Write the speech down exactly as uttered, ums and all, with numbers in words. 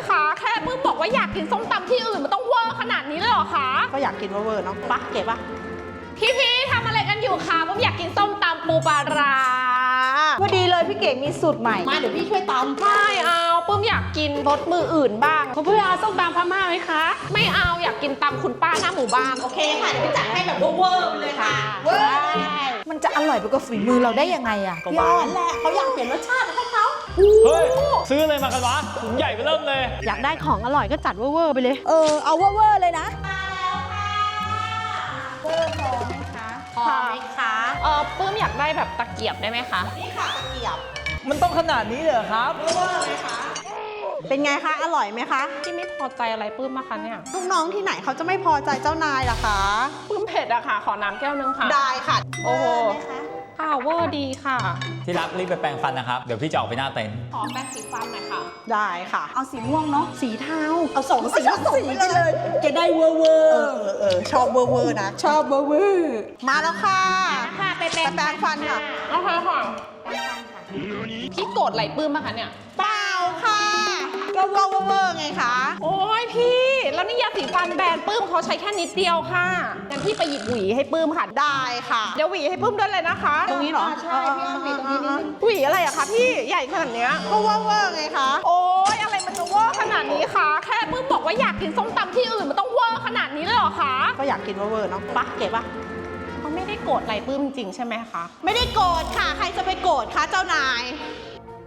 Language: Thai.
คะแค่ปื้มบอกว่าอยากกินส้มตำที่อื่นมันต้องเวอร์ขนาดนี้เลยเหรอคะก็อยากกินเวอร์ๆเนาะปะเก๋ปะพี่พี่ทำอะไรกันอยู่คะปื้มอยากกินส้มตำปูปลาร้าพอดีเลยพี่เก๋มีสูตรใหม่มาเดี๋ยวพี่ช่วยตำไม่เอาปื้มอยากกินรสมืออื่นบ้างเพื่อเอาส้มตำพม่าไหมคะไม่เอาอยากกินตำคุณป้าหน้าหมู่บ้านโอเคค่ะเดี๋ยวพี่จัดให้แบบเวอร์ๆเลยค่ะเวอร์มันจะอร่อยไปกว่าฝีมือเราได้ยังไงอะพี่อ้อนแหละเขาอยากเปลี่ยนรสชาติให้เขาเฮ้ยซื้ออะไรมากันวะถุงใหญ่ไปเริ่มเลยอยากได้ของอร่อยก็จัดเวอร์ๆไปเลยเออเอาเวอร์ๆเลยนะมาแล้วค่ะเวอร์พอไหมคะพอไหมคะเออปื้มอยากได้แบบตะเกียบได้ไหมคะนี่ค่ะตะเกียบมันต้องขนาดนี้เลยเหรอครับเวอร์ไหมคะเป็นไงคะอร่อยไหมคะที่ไม่พอใจอะไรปื้มมาคะเนี่ยลูกน้องที่ไหนเขาจะไม่พอใจเจ้านายล่ะคะปื้มเผ็ดอะค่ะขอน้ำแก้วนึงค่ะได้ค่ะโอ้โหค่ะเวอร์ดีค่ะที่รักรีบไปแปรงฟันนะครับเดี๋ยวพี่จะออกไปหน้าเต็นท์ขอแป้งสีฟันหน่อยค่ะได้ค่ะเอาสีม่วงเนาะสีเทาเอาสองสีสีไปเลยจะได้เวอร์เวอร์เออเออชอบเวอร์เวอร์นะชอบเวอร์เวอร์มาแล้วค่ะค่ะไปแปรแปรงฟันค่ะเอาค่ะค่ะพี่โกรธไหลปื้มมาคะเนี่ยเปล่าค่ะก็เวอร์เวอร์ไงคะโอ้ยพี่แล้วนี่ยาสีฟันแบรนด์ปื้มเขาใช้แค่นิดเดียวค่ะงั้นพี่ไปหยิบหวีให้ปื้มค่ะได้ค่ะเดี๋ยวหวีให้ปื้มด้วยเลยนะคะตรงนี้เหรอใช่พี่หวีตรงนี้นิดนึงหวีอะไรอะคะพี่ใหญ่ขนาดเนี้ยก็เวอร์เวอร์ไงคะโอ้ยอะไรมันจะเวอร์ขนาดนี้คะแค่ปื้มบอกว่าอยากกินส้มตำที่อื่นมันต้องเวอร์ขนาดนี้เลยเหรอคะก็อยากกินเวอร์ๆเนาะปะเก๋ปะเขาไม่ได้โกรธอะไรปื้มจริงใช่ไหมคะไม่ได้โกรธค่ะใครจะไปโกรธคะเจ้านาย